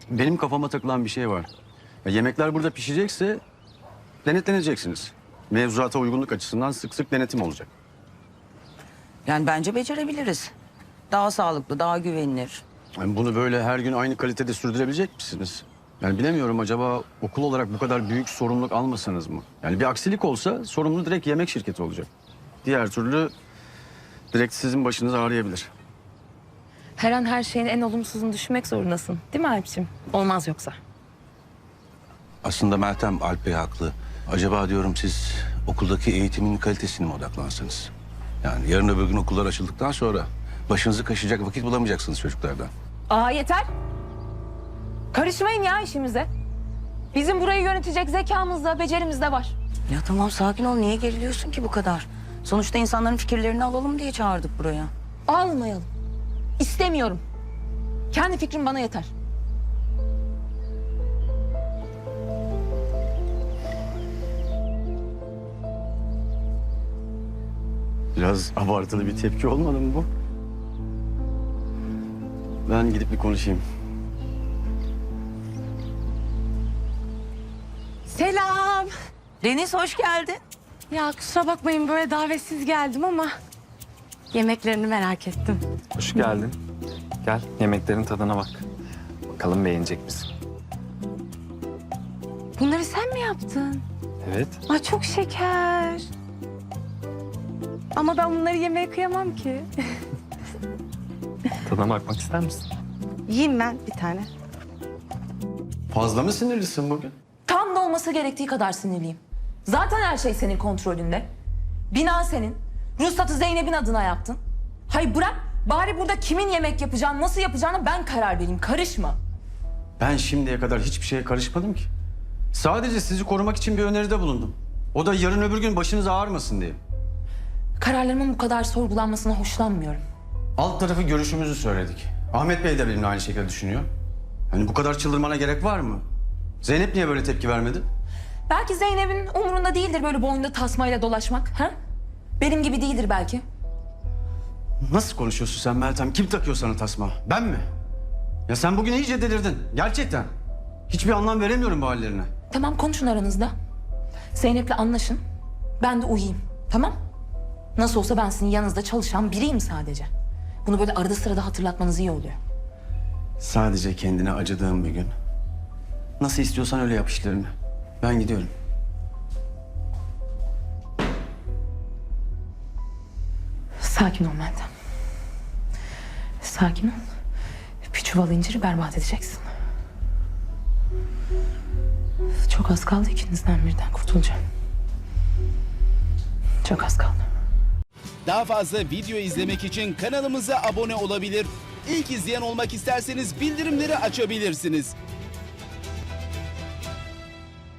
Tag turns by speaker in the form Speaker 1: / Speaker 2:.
Speaker 1: Benim kafama takılan bir şey var. Yemekler burada pişecekse denetleneceksiniz. Mevzuata uygunluk açısından sık sık denetim olacak.
Speaker 2: Yani bence becerebiliriz. Daha sağlıklı, daha güvenilir.
Speaker 1: Yani bunu böyle her gün aynı kalitede sürdürebilecek misiniz? Yani bilemiyorum, acaba okul olarak bu kadar büyük sorumluluk almasanız mı? Yani bir aksilik olsa sorumlu direkt yemek şirketi olacak. Diğer türlü direkt sizin başınız ağrıyabilir.
Speaker 3: Her an her şeyin en olumsuzunu düşünmek zorundasın. Değil mi Alp'ciğim? Olmaz yoksa.
Speaker 4: Aslında Meltem, Alp Bey haklı. Acaba diyorum siz okuldaki eğitimin kalitesine mi odaklansanız? Yani yarın öbür gün okullar açıldıktan sonra başınızı kaşıyacak vakit bulamayacaksınız çocuklardan.
Speaker 3: Aa yeter. Karışmayın ya işimize. Bizim burayı yönetecek zekamız da becerimiz de var.
Speaker 2: Ya tamam, sakin ol. Niye geriliyorsun ki bu kadar? Sonuçta insanların fikirlerini alalım diye çağırdık buraya.
Speaker 3: Almayalım. İstemiyorum. Kendi fikrim bana yeter.
Speaker 1: Biraz abartılı bir tepki olmadı mı bu? Ben gidip bir konuşayım.
Speaker 3: Selam.
Speaker 2: Deniz, hoş geldin.
Speaker 5: Ya kusura bakmayın, böyle davetsiz geldim ama yemeklerini merak ettim.
Speaker 6: Hoş geldin. Gel yemeklerin tadına bak. Bakalım beğenecek misin?
Speaker 5: Bunları sen mi yaptın?
Speaker 6: Evet.
Speaker 5: Ay çok şeker. Ama ben bunları yemeye kıyamam ki.
Speaker 6: Tadına bakmak ister misin?
Speaker 5: Yiyeyim ben bir tane.
Speaker 1: Fazla mı sinirlisin bugün?
Speaker 3: Tam da olması gerektiği kadar sinirliyim. Zaten her şey senin kontrolünde. Bina senin. Ruhsatı Zeynep'in adına yaptın. Hayır bırak. Bari burada kimin yemek yapacağını, nasıl yapacağını ben karar vereyim. Karışma.
Speaker 1: Ben şimdiye kadar hiçbir şeye karışmadım ki. Sadece sizi korumak için bir öneride bulundum. O da yarın öbür gün başınız ağrımasın diye.
Speaker 3: Kararlarımın bu kadar sorgulanmasına hoşlanmıyorum.
Speaker 1: Alt tarafı görüşümüzü söyledik. Ahmet Bey de benimle aynı şekilde düşünüyor. Hani bu kadar çıldırmana gerek var mı? Zeynep niye böyle tepki vermedi?
Speaker 3: Belki Zeynep'in umurunda değildir böyle boynunda tasmayla dolaşmak. Ha? Benim gibi değildir belki.
Speaker 1: Nasıl konuşuyorsun sen Meltem? Kim takıyor sana tasma? Ben mi? Ya sen bugün iyice delirdin. Gerçekten. Hiçbir anlam veremiyorum bu hallerine.
Speaker 3: Tamam konuşun aranızda. Zeynep'le anlaşın. Ben de uyuyayım. Tamam? Nasıl olsa ben sizin yanınızda çalışan biriyim sadece. Bunu böyle arada sırada hatırlatmanız iyi oluyor.
Speaker 1: Sadece kendine acıdığım bir gün. Nasıl istiyorsan öyle yap işlerini. Ben gidiyorum.
Speaker 3: Sakin ol Meltem. Sakin ol. Bir çuval inciri berbat edeceksin. Çok az kaldı, ikinizden birden kurtulacağım. Çok az kaldı.
Speaker 7: Daha fazla video izlemek için kanalımıza abone olabilir. İlk izleyen olmak isterseniz bildirimleri açabilirsiniz.